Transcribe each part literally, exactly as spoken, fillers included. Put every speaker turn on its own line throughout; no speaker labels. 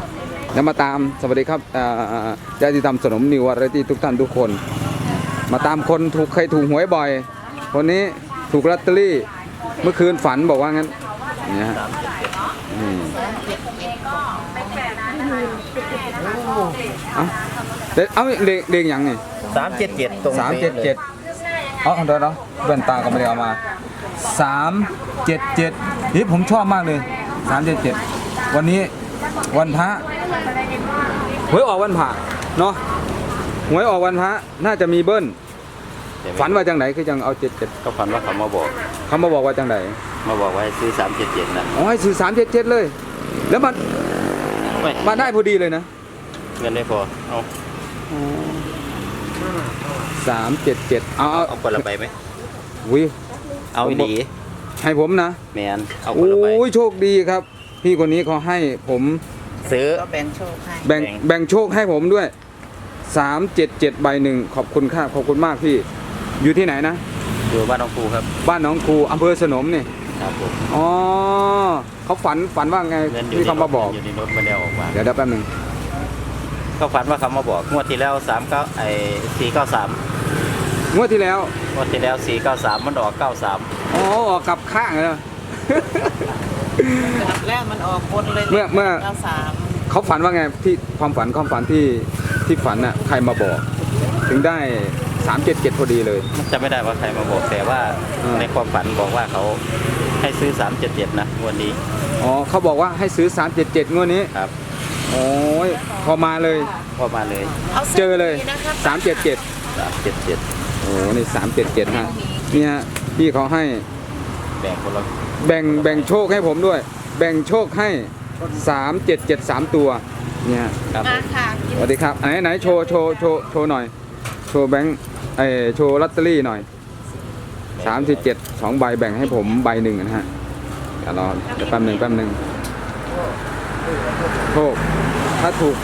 แล้วมาตามสวัสดีครับญาติธรรมสนมนิววาไรตี้ทุกท่านทุกคนมาตามคนถูกเคยถูกหวยบ่อยคนนี้ถูกลอตเตอรี่เมื่อคืนฝันบอกว่างั้นเนี่ยฮะเอาเด็กเอาเด็กเด็กยังไง
สามเจ็ดเจ็ดตรง
สามเจ็ดเจ็ดเอาเดี๋ยวเนาะแว่นตาก็ไม่ได้เอามาสามเจ็ดเจ็ดนี่ผมชอบมากเลยสามเจ็ดเจ็ดวันนี้วันพระหวยออกวันพระเนาะหวยออกวันพระน่าจะมีเบิ้ลฝันว่าจังไหนคือจังเอาเจ็ดเจ็ด
ก็ฝันว่าเขามาบอก
เขามาบอกว่าจังไหน
มาบอกว่าให้ซื้อสามเจ็ดเจ็ดนะ
อ๋อให้ซื้อสามเจ็ดเจ็ดเลยแล้วมันมาได้พอดีเลยนะ
เงินได้พอเอา
สามเจ็ดเจ็ดเอา
เอาคนละใบไหม
วิ
เอาอีดี
ให้ผมนะ
แมนเอาคนละใบ
โอ้ยโชคดีครับพี่คนนี้เขาให้ผม
ซื้อ
แบ่งโชคให้
แบ่งแบ่งโชคให้ผมด้วยสามเจ็ดเจ็ดใบหนึ่งขอบคุณค่ะขอบคุณมากพี่อยู่ที่ไหนนะ
อยู่บ้านน้องครูครับ
บ้านน้องครูอำเภอสนมนี่
ครับผม
อ๋อเขาฝันฝันว่าไงที่เขามาบอก
อยู่ในรถมาเดียวออกมา
เดี๋ยวเดี๋ยวแป๊บนึง
เขาฝันว่าเขามาบอกงวดที่แล้วสามเก้าไอ้สี่เก้าสาม
งวดที่แล้ว
งวดที่แล้วสี่เก้าสามมันออกเก้าสาม
อ๋อออกกลับข้างเลย
แล้วมันออกบนเลย
เมื่อเมื่อเขาฝันว่าไงที่ความฝันความฝันที่ที่ฝันน่ะใครมาบอกถึงได้สามเจ็ดเจ็ดพอดีเลย
จะไม่ได้ว่าใครมาบอกแต่ว่าในความฝันบอกว่าเขาให้ซื้อสามเจ็ดเจ็ดนะวันนี้
อ๋อเขาบอกว่าให้ซื้อสามเจ็ดเจ็ดงวดนี้
ครับ
โอ้ยพอมาเลย
พอมาเลย
เจอเลยสามเจ็ดเจ็ด
สามเจ็ดเจ็ด
โอ้นี่สามเจ็ดเจ็ดฮะเนี่ยพี่เขาให้
แบ่งคนละ
แบ่งแบ่งโชคให้ผมด้วยแบ่งโชคให้สามเจ็ดเจ็ดสามตัวเนี่ย
ครับ
สวัสดีครับไหนไหนโชว์โชว์โชว์โชว์หน่อยโชว์แบงค์ไอโชว์ลอตเตอรี่หน่อยสามสิบเจ็ดสองใบแบ่งให้ผมใบหนึ่งนะฮะเดี๋ยวรอเดี๋ยวแป๊บหนึ่งแป๊บหนึ่งโชคถ้าถูก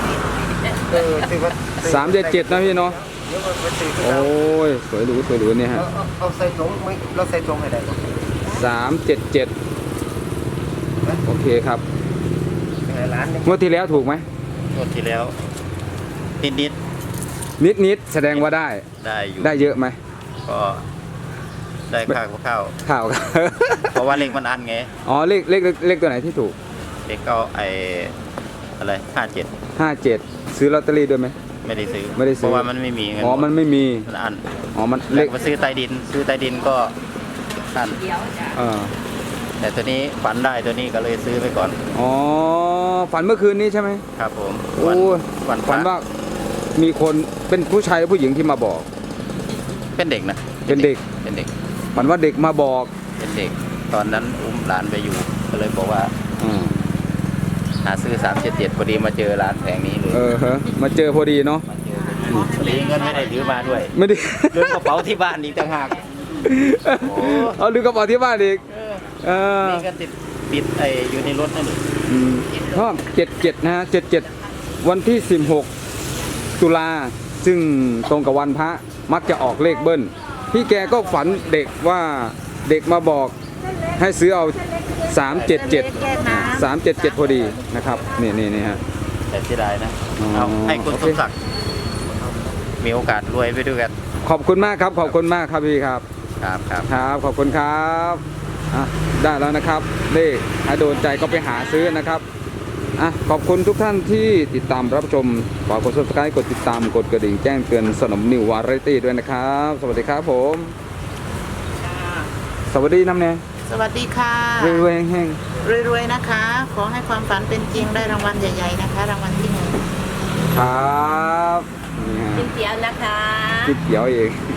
สามเจ็ดเจ็ดนะพี่เนาะโอ้ยสวยหรูสวยหรูเนี่ยฮะ
เอาใส่ถุงไม่เราใส่ถุงให้ได้
สามเจ็ดเจ็ดโอเคครับงวดที่แล้วถูกไหม
งวดที่แล้วนิดนิด
นิดนิดแสดงว่าได้
ได้อยู่
ได้เยอะไหม
ก็ได้ข้าวข้าว
ข้าว
เพราะว่าเลขมันอันไง
อ๋อเลขเลขเลขตัวไหนที่ถูก
เลขก็ไออะไรห้าเจ็ด
ห้าเจ็ดซื้อลอตเตอรี่ด้วยไหม
ไม่ได้ซื้อ
ไม่ได้ซื้อ
เพราะว่ามันไม่มีเงิน
อ๋อมันไม่มี
มันอัน
อ๋อมัน
เลขมาซื้อใต้ดินซื้อใต้ดินก็อัน
เออ
แต่ตัวนี้ฝันได้ตัวนี้ก็เลยซื้อไปก่อน
อ๋อฝันเมื่อคืนนี้ใช่ไหม
ครับผม
โอ้ฝันฝันว่ามีคนเป็นผู้ชายหรือผู้หญิงที่มาบอก
เป็นเด็กนะ
เป็นเด็ก
เป็นเด็ก
ฝันว่าเด็กมาบอก
เป็นเด็กตอนนั้นอุ้มหลานไปอยู่ก็เลยบอกว่าหาซื้อสามเจ็ดเจ็ดพอดีมาเจอร้านแผงนี้เลย
เออฮะมาเจอพอดีเนาะ
พอดีเงินไม่ได้ถือมาด้วย
ไม่ได้
ลืมกระเป๋าที่บ้านอีกต่างหาก
เอาลืมกระเป๋าที่บ้านอีกเออ
นี่ก็ติดปิดไออยู่ในรถนั่นเอง
ชอบเจ็ดเจ็ดนะฮะเจ็ดเจ็ดวันที่สิบหกตุลาซึ่งตรงกับวันพระมักจะออกเลขเบิ้ลพี่แกก็ฝันเด็กว่าเด็กมาบอกให้ซื้อเอาสามเจ็ดเจ็ดสามเจ็ดเจ็ดพอดีนะครับนี่นี่นี่ฮะ
แต่ที่ได้นะเอาให้คุณสมศักดิ์มีโอกาสรวยไปด้วยกัน
ขอบคุณมากครับขอบคุณมากครับพี่ครับ
ครับครับ
ครับขอบคุณครับอ่ะได้แล้วนะครับเลขถ้าโดนใจก็ไปหาซื้อนะครับอ่ะขอบคุณทุกท่านที่ติดตามรับชมฝากกด ซับสไครบ์ กดติดตามกดกระดิ่งแจ้งเตือนสนมนิววาไรตี้ด้วยนะครับสวัสดีครับผมสวัสดีน้ำเนย
สวัสดีค่ะ
รวยๆแห้ง
ๆรวยๆนะคะขอให้ความฝันเป็นจริงได้รางวัลใหญ่ๆนะคะรางวัลที่หนึ่ง
ครับ
กินเตี๋ยวนะคะ
กินเตี๋ยวเอง